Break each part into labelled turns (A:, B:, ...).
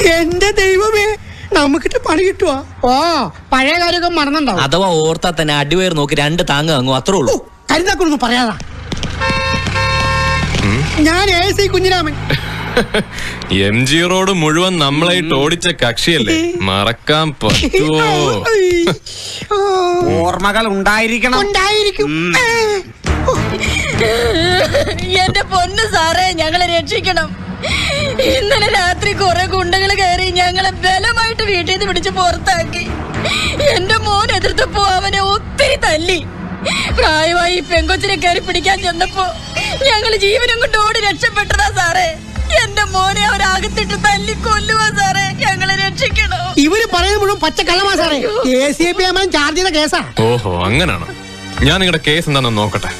A: എന്റെ ദൈവമേ, നമുക്കിട്ട് പണി കിട്ടുവാ? ഓ, പഴയ കാര്യമൊക്കെ മറന്നുണ്ടാവും.
B: അഥവാ ഓർത്താ തന്നെ അടിവയർ നോക്കി 2 താങ്ങ് വാങ്ങും, അത്രേ ഉള്ളൂ.
A: കരുതാക്കൊന്നും പറയാതാ. ഞാൻ AC കുഞ്ഞിരാമൻ.
C: MG റോഡ് മുഴുവൻ നമ്മളായിട്ട് ഓടിച്ച കക്ഷിയല്ലേ, മറക്കാൻ പറ്റുമോ?
D: ഓർമ്മകൾ ഉണ്ടായിരിക്കണം.
E: എന്റെ പൊന്നു സാറേ, ഞങ്ങളെ രക്ഷിക്കണം. ഇന്നലെ രാത്രി കുറെ ഗുണ്ടകൾ കയറി ഞങ്ങളെ ബലമായിട്ട് വീട്ടിൽ നിന്ന് പിടിച്ച് പുറത്താക്കി. എന്റെ മോൻ എതിർത്തപ്പോ അവനെ ഒത്തിരി തല്ലി. പ്രായമായി പെങ്കൊച്ചിനെ കയറി പിടിക്കാൻ ചെന്നപ്പോ ഞങ്ങൾ ജീവനും കൊണ്ട് ഓടി രക്ഷപ്പെട്ടതാ സാറേ. എന്റെ മോനെ അവരകത്തിട്ട് തല്ലി കൊല്ലുവാ സാറേ, ഞങ്ങളെ രക്ഷിക്കണം.
A: ഇവര് പറയുന്നത് മുഴുവൻ പച്ചക്കള്ളമാ സാറേ. ACP ചാർജ് ചെയ്ത കേസാ.
C: ഓഹോ, അങ്ങനാണ്. ഞാൻ നിങ്ങളുടെ കേസ് എന്താണെന്ന് നോക്കട്ടെ.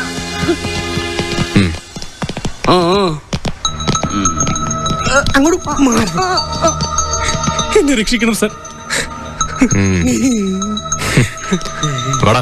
A: അങ്ങോട്ട്
F: എന്നെ രക്ഷിക്കണം സാർ.
C: വാടാ.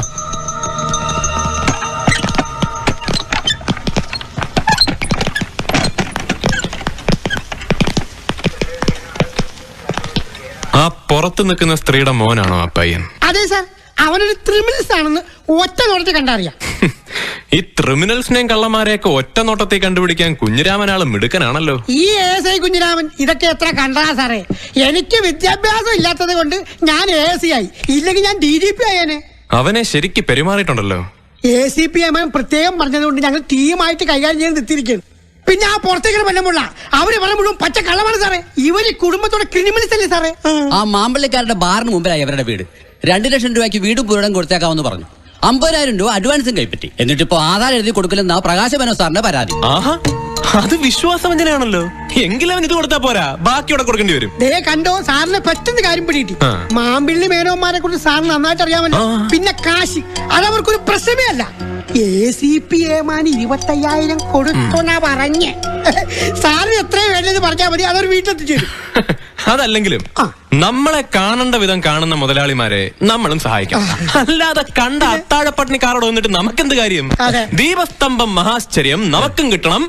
C: ആ പുറത്ത് നിൽക്കുന്ന സ്ത്രീയുടെ മോനാണോ ആ പയ്യൻ?
A: അതെ സാർ, അവനൊരു ക്രിമിനൽസ് ആണെന്ന് ഒറ്റ നോട്ടത്തിൽ കണ്ടറിയാം.
C: ഈ ക്രിമിനൽസിനെയും കള്ളന്മാരെയൊക്കെ ഒറ്റ നോട്ടത്തിൽ കണ്ടുപിടിക്കാൻ കുഞ്ഞിരാമനാള് മിടുക്കനാണല്ലോ.
A: ഈ ASI കുഞ്ഞിരാമൻ ഇതൊക്കെ എത്ര കണ്ടാ സാറേ. എനിക്ക് വിദ്യാഭ്യാസം ഇല്ലാത്തത് കൊണ്ട് ഞാൻ AC ആയി, ഇല്ലെങ്കിൽ ഞാൻ DGP ആയേനെ.
C: അവനെ ശരിക്ക് പെരുമാറിയിട്ടുണ്ടല്ലോ.
A: ACP പ്രത്യേകം പറഞ്ഞതുകൊണ്ട് ഞങ്ങൾ ടീമായിട്ട് കൈകാര്യം ചെയ്യാൻ നിർത്തിയിരിക്കുന്നു. പിന്നെ ആ പുറത്തേക്ക് വല്ലമുള്ള അവര് പറഞ്ഞ മുഴുവൻ പച്ച കള്ളമാണ് സാറേ. ഇവര് കുടുംബത്തോടെ ക്രിമിനൽസ് അല്ലേ സാറേ.
G: ആ മാമ്പള്ളിക്കാരുടെ ബാറിന് മുമ്പിലായി അവരുടെ വീട്. 2 ലക്ഷം രൂപയ്ക്ക് വീടും പുരടം കൊടുത്തേക്കാമെന്ന് പറഞ്ഞു. 50,000 രൂപ അഡ്വാൻസും കൈപ്പറ്റി. എന്നിട്ടിപ്പോ ആധാർ എഴുതി കൊടുക്കില്ലെന്ന പ്രകാശമനോ സാറിന്റെ പരാതി.
C: ആഹാ, അത് വിശ്വാസവഞ്ചനയാണല്ലോ. എങ്കിലും ഇത് കൊടുത്താ പോരാ, ബാക്കിയോടെ കൊടുക്കേണ്ടി വരും.
A: ദേ കണ്ടോ, സാറിന് പെട്ടെന്ന് കാര്യം പിടികിട്ടി. മാമ്പിള്ളി മേനോന്മാരെ കുറിച്ച് സാറിന് നന്നായിട്ട് അറിയാമല്ലോ. പിന്നെ കാശി, അതവർക്കൊരു പ്രശ്നമേ അല്ല. ACP 25,000 കൊടുത്തോന്നാ പറഞ്ഞേ. സാറിന് എത്രയും വേണ്ടത് പറഞ്ഞാൽ മതി, അതൊരു വീട്ടിലെത്തിച്ചു.
C: അതല്ലെങ്കിലും നമ്മളെ കാണേണ്ട വിധം കാണുന്ന മുതലാളിമാരെ നമ്മളും സഹായിക്കാം. അല്ലാതെ കണ്ട അത്താഴപ്പട്ടിണിക്കാരോട് വന്നിട്ട് നമുക്കെന്ത് കാര്യം? ദീപസ്തംഭം മഹാശ്ചര്യം നമുക്കും കിട്ടണം.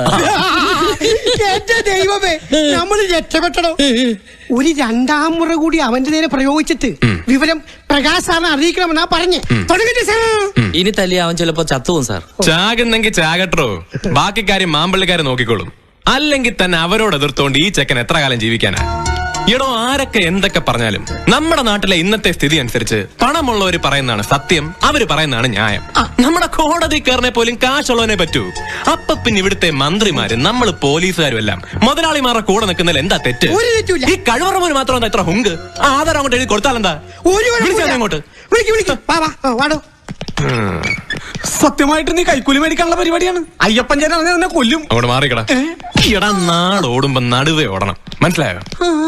A: എന്റെ ദൈവമേ, നമ്മൾ രക്ഷപ്പെട്ടടോ. ഒരു 2ാം മുറ കൂടി അവന്റെ നേരെ പ്രയോഗിച്ചിട്ട് വിവരം പ്രകാശ് സാറിനെ അറിയിക്കണമെന്നാ പറഞ്ഞേ. തുടങ്ങിട്ട് സാർ
B: ഇനി തല്ലി അവൻ ചിലപ്പോ ചത്തുവും സാർ.
C: ചാകുന്നെങ്കിൽ ചാകട്ടോ, ബാക്കി കാര്യം മാമ്പള്ളിക്കാരെ നോക്കിക്കോളും. അല്ലെങ്കിൽ തന്നെ അവരോട് എതിർത്തോണ്ട് ഈ ചെക്കൻ എത്ര കാലം ജീവിക്കാനാ? എടോ, ആരൊക്കെ എന്തൊക്കെ പറഞ്ഞാലും നമ്മുടെ നാട്ടിലെ ഇന്നത്തെ സ്ഥിതി അനുസരിച്ച് പണമുള്ളവര് പറയുന്നതാണ് സത്യം, അവര് പറയുന്നതാണ് ന്യായം. നമ്മുടെ കോടതി കയറിനെ പോലും കാശുള്ളവനെ പറ്റൂ. അപ്പൊ പിന്നെ ഇവിടുത്തെ മന്ത്രിമാര്, നമ്മള് പോലീസുകാരും എല്ലാം മുതലാളിമാരുടെ കൂടെ നിൽക്കുന്നതിൽ എന്താ തെറ്റ്? ഈ കഴിവറമോന് മാത്രം എന്താ ഇത്ര ഹുങ്ക്? ആധാരം അങ്ങോട്ട് എഴുതി കൊടുത്താലെന്താ? അങ്ങോട്ട്
D: സത്യമായിട്ട് നീ കൈക്കൂലി മേടിക്കാനുള്ള പരിപാടിയാണ്. അയ്യപ്പൻ ചേട്ടൻ നിന്നെ കൊല്ലും.
C: അങ്ങോട്ട് മാറിക്കടാ. എടാ, നാടോടുമ്പോ നടുവേ ഓടണം, മനസ്സിലായോ?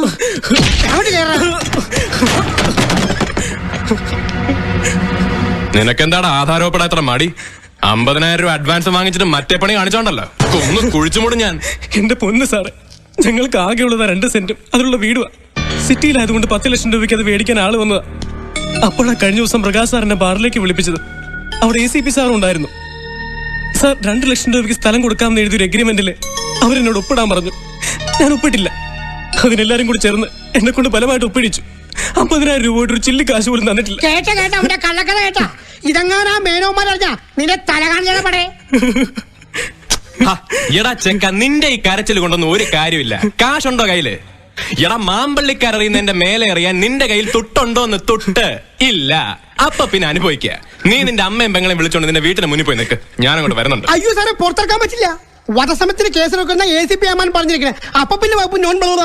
C: നിനക്കെന്താടാ ആധാരപ്പെടാ എത്ര മടി? 50,000 രൂപ അഡ്വാൻസ് വാങ്ങിച്ചിട്ട് മറ്റേ പണി കാണിച്ചോണ്ടല്ലോ ഒന്ന് കുഴിച്ചുമൂടും ഞാൻ.
F: എന്റെ പൊന്ന് സാറേ, ഞങ്ങൾക്ക് ആകെയുള്ളത് 2 സെന്റും അതിലുള്ള വീടുവാ. സിറ്റിയിലായതുകൊണ്ട് 10 ലക്ഷം രൂപയ്ക്ക് അത് മേടിക്കാൻ ആള് വന്നതാ. അപ്പോഴാണ് കഴിഞ്ഞ ദിവസം പ്രകാശ് സാറിന്റെ ബാറിലേക്ക് വിളിപ്പിച്ചത്. അവിടെ ACP സാറും ഉണ്ടായിരുന്നു. സാർ 2 ലക്ഷം രൂപയ്ക്ക് സ്ഥലം കൊടുക്കാമെന്ന് എഴുതിയൊരു എഗ്രിമെന്റില് അവരെന്നോട് ഒപ്പിടാൻ പറഞ്ഞു. ഞാൻ ഒപ്പിട്ടില്ല. അതിനെല്ലാരും കൂടി ചേർന്ന് എന്നെ കൊണ്ട് ബലമായിട്ട് ഒപ്പിടിച്ചു. 50,000 രൂപ ഒരു ചില്ലി കാശ് പോലും തന്നിട്ടില്ല.
A: ഇതെങ്ങാനാ മേനോന്മാരറിഞ്ഞ നിന്റെ തല കാണിച്ചേ.
C: എടാ ചെക്ക, നിന്റെ ഈ കരച്ചിൽ കൊണ്ടൊന്നും ഒരു കാര്യമില്ല. കാശുണ്ടോ കയ്യില്? എടാ, മാമ്പള്ളിക്കറിയുന്നതിന്റെ മേലെ അറിയാൻ നിന്റെ കയ്യിൽ തുട്ടുണ്ടോന്ന്? തുട്ട് ഇല്ല. അപ്പൊ പിന്നെ അനുഭവിക്കുക. നീ നിന്റെ അമ്മയും പെങ്ങളെയും വിളിച്ചോണ്ട് നിന്റെ വീട്ടിന് മുന്നിൽ പോയി നിൽക്ക്. ഞാനങ്ങോട്ട് വരുന്നുണ്ട്.
A: അയ്യോ സാറേ, പുറത്തിറക്കാൻ പറ്റില്ല. വധശ്രമത്തിന് കേസ് വെക്കുന്ന ACP പറഞ്ഞിരിക്കണേ. അപ്പൊ പിന്നെ വകുപ്പ്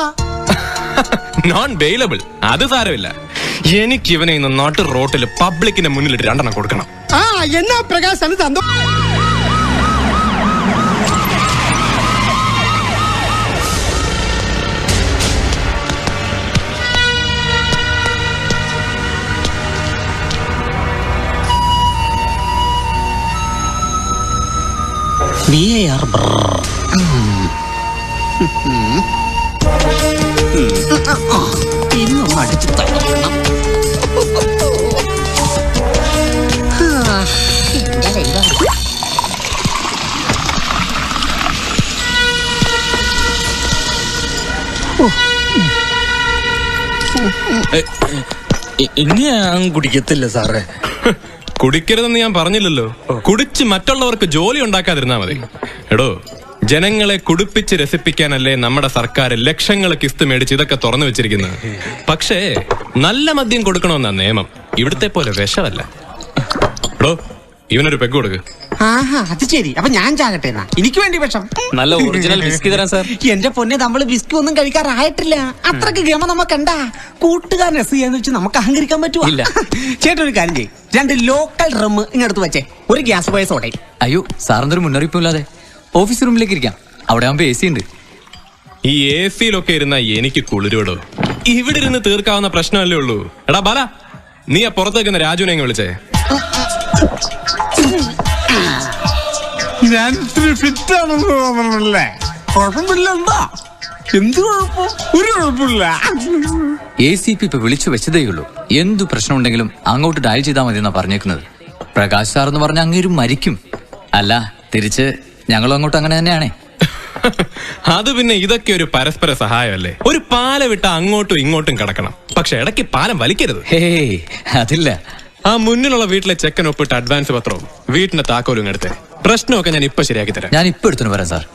C: നോൺ ബെയിലബിൾ. അത് സാരമില്ല. എനിക്ക് ഇവനെ ഇന്ന് നാട്ടു റോട്ടിൽ പബ്ലിക്കിന്റെ മുന്നിലിട്ട് 2 എണ്ണം കൊടുക്കണം.
A: എന്നാ പ്രകാശ് തന്നോ.
G: ഇന്നും അടിച്ചു തരണം.
B: ഇനി ഞാൻ കുടിക്കത്തില്ല സാറേ.
C: കുടിക്കരുതെന്ന് ഞാൻ പറഞ്ഞില്ലല്ലോ. കുടിച്ച് മറ്റുള്ളവർക്ക് ജോലി ഉണ്ടാക്കാതിരുന്നാ മതി. എടോ, ജനങ്ങളെ കുടിപ്പിച്ച് രസിപ്പിക്കാനല്ലേ നമ്മുടെ സർക്കാർ ലക്ഷങ്ങൾ കിസ്ത് മേടിച്ച് ഇതൊക്കെ തുറന്നു വെച്ചിരിക്കുന്നത്. പക്ഷേ നല്ല മദ്യം കൊടുക്കണമെന്നാ നിയമം. ഇവിടുത്തെ പോലെ വിഷമല്ല. എടോ, ഇവനൊരു പെഗ് കൊടുക്ക്.
D: ആഹാ, അത് ശരി. അപ്പൊ ഞാൻ ചാകട്ടെ എന്നാ. എനിക്ക് വേണ്ടി വിഷം.
B: നല്ല ഒറിജിനൽ ബിസ്കി തരാം സാർ.
D: എന്റെ പൊന്നെ, നമ്മള് ബിസ്കി ഒന്നും കഴിക്കാറായിട്ടില്ല. അത്രക്ക് ഗമ നമുക്കുണ്ടാ. കൂട്ടുകാരൻ എസ് ചെയ്യാന്ന് വെച്ച് നമുക്ക് അഹങ്കരിക്കാൻ പറ്റുമോ?
B: ഇല്ല.
D: ചേട്ടൻ ഒരു കാര്യം ചെയ്യും, 2 ലോക്കൽ ഡ്രം ഇങ്ങടുത്ത് വെച്ചേ. ഒരു ഗ്യാസ് പോയ സോഡയും.
H: അയ്യോ, സാറിന്റെ ഒരു മുന്നറിയിപ്പും ഇല്ലാതെ ഓഫീസ് റൂമിലേക്ക് ഇരിക്കാം. അവിടെ ആകുമ്പോ AC ഉണ്ട്.
C: ഈ AC-യിലൊക്കെ ഇരുന്ന എനിക്ക് കുളിരോടോ. ഇവിടെ ഇരുന്ന് തീർക്കാവുന്ന പ്രശ്നമല്ലേ ഉള്ളൂ. എടാ ബാല, നീ ആ പുറത്തേക്കുന്ന രാജുവിനെ അങ്ങ് വിളിച്ചേ.
D: ഞാൻ ഫിറ്റ് ആണെന്ന് തോന്നണല്ലേ? കുഴപ്പമില്ല. എന്താ എന്ത് കുഴപ്പം? ഒരു കുഴപ്പമില്ല.
H: ACP ഇപ്പൊ വിളിച്ചു വെച്ചതേ ഉള്ളൂ. എന്തു പ്രശ്നം ഉണ്ടെങ്കിലും അങ്ങോട്ട് ഡയൽ ചെയ്താൽ മതി എന്നാ പറഞ്ഞേക്കുന്നത്. പ്രകാശ് സാർ എന്ന് പറഞ്ഞ അങ്ങേരും മരിക്കും. അല്ല, തിരിച്ച് ഞങ്ങളും അങ്ങോട്ട് അങ്ങനെ തന്നെയാണേ.
C: അത് പിന്നെ ഇതൊക്കെ ഒരു പരസ്പര സഹായമല്ലേ. ഒരു പാല വിട്ട അങ്ങോട്ടും ഇങ്ങോട്ടും കിടക്കണം. പക്ഷെ ഇടയ്ക്ക് പാലം വലിക്കരുത്.
H: ഹേയ്, അതില്ല.
C: ആ മുന്നിലുള്ള വീട്ടിലെ ചെക്കൻ ഒപ്പിട്ട് അഡ്വാൻസ് പത്രവും വീട്ടിന്റെ താക്കോലും എടുത്തേ. പ്രശ്നമൊക്കെ ഞാൻ ഇപ്പൊ ശരിയാക്കി തരാം.
H: ഞാൻ ഇപ്പൊ എടുത്തു വരാം സാർ.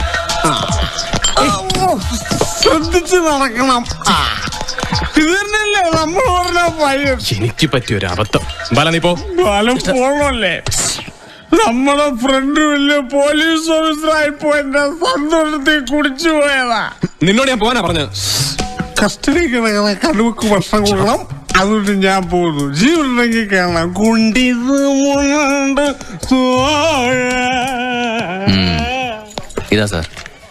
D: ശ്രദ്ധിച്ച് നടക്കണം. ഇത് തന്നെയല്ലേ നമ്മൾ പറഞ്ഞ പയ്യൻ.
C: എനിക്ക് പറ്റിയൊരു അബദ്ധം. ബാല, നീ പോ.
D: ഫലം പോണല്ലേ? നമ്മുടെ ഫ്രണ്ട് വലിയ പോലീസ് ഓഫീസറായിപ്പോ എന്റെ സന്തോഷത്തിൽ കുടിച്ചു പോയതാ.
C: നിന്നോട് ഞാൻ പോകാനാ പറഞ്ഞത്.
D: കസ്റ്റഡി കിടക്കുന്ന കടുവക്ക് ഭക്ഷണം കൊടുക്കണം. അതുകൊണ്ട് ഞാൻ പോകുന്നു. ജീവനുണ്ടെങ്കിൽ കാണാം. കുണ്ടിത് മുണ്ട്
H: ഇതാ സാർ.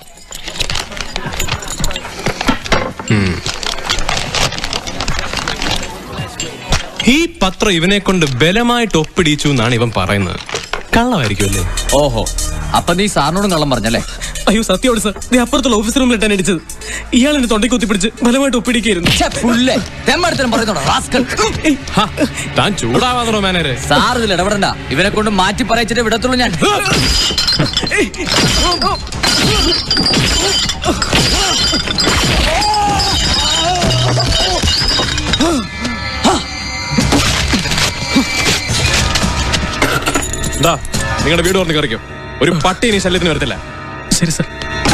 C: ഈ പത്രം ഇവനെ കൊണ്ട് ബലമായിട്ട് ഒപ്പിടിച്ചു എന്നാണ് ഇവൻ പറയുന്നത്. കള്ളമായിരിക്കുമല്ലേ?
H: ഓഹോ, അപ്പൊ നീ സാറിനോടും കള്ളം പറഞ്ഞല്ലേ?
F: അയ്യോ സത്യമാണ് സാർ. നീ അപ്പുറത്തുള്ള ഓഫീസ് റൂമിൽ ഇട്ടാൻ അടിച്ചത്. ഇയാൾ എന്നെ തൊണ്ടയ്ക്ക് കുത്തിപ്പിടിച്ച് ബലമായിട്ട് ഒപ്പിടിക്കായിരുന്നു.
C: താൻ ചൂടാവാന്നോ മാനേരെ?
H: സാർ ഇതിൽ ഇടപെടണ്ട. ഇവനെ കൊണ്ട് മാറ്റി പറയിച്ചിട്ട് വിടത്തുള്ളൂ ഞാൻ.
C: നിങ്ങളുടെ വീട് തുറന്ന് കറിക്കും. ഒരു പട്ടി ഇനി ശല്യത്തിന് വരത്തില്ല.
F: ശരി സാർ.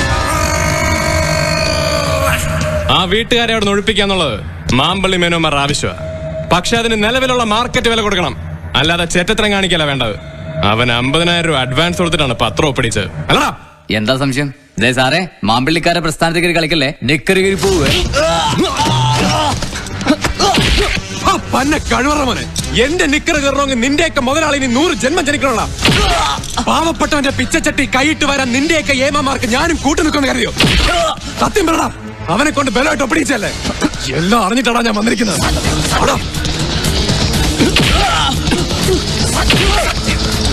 C: ആ വീട്ടുകാരെ അവിടെ ഒഴിപ്പിക്കാന്നുള്ളത് മാമ്പള്ളി മേനോമാർ ആവശ്യമാണ്. പക്ഷെ അതിന് നിലവിലുള്ള മാർക്കറ്റ് വില കൊടുക്കണം. അല്ലാതെ ചെറ്റത്തരം കാണിക്കല വേണ്ടത്. അവൻ 50,000 രൂപ അഡ്വാൻസ് കൊടുത്തിട്ടാണ് പത്രം ഒപ്പിടിച്ചത്. അല്ലടാ?
H: എന്താ സംശയം? ദേ സാറേ, മാമ്പിള്ളിക്കാരെ പ്രസ്ഥാനത്തേക്ക് കളിക്കല്ലേ. നിക്കറി കയറി പോവേ.
C: പന്നെ കഴിവറ മോനെ, എന്റെ നിക്കറ് കയറണമെങ്കിൽ നിന്റെയൊക്കെ മുതലാളി 100 ജന്മം ജനിക്കണ. പാവപ്പെട്ടവന്റെ പിച്ചച്ചട്ടി കൈയിട്ട് വരാൻ നിന്റെയൊക്കെ ഏമാമാർക്ക് ഞാനും കൂട്ടു നിൽക്കുന്ന കരുതിയോ? സത്യം പറടാ, അവനെ കൊണ്ട് ബലമായിട്ട് ഒപ്പിടിച്ചല്ലേ? എല്ലാം അറിഞ്ഞിട്ടാടാ ഞാൻ വന്നിരിക്കുന്നത്.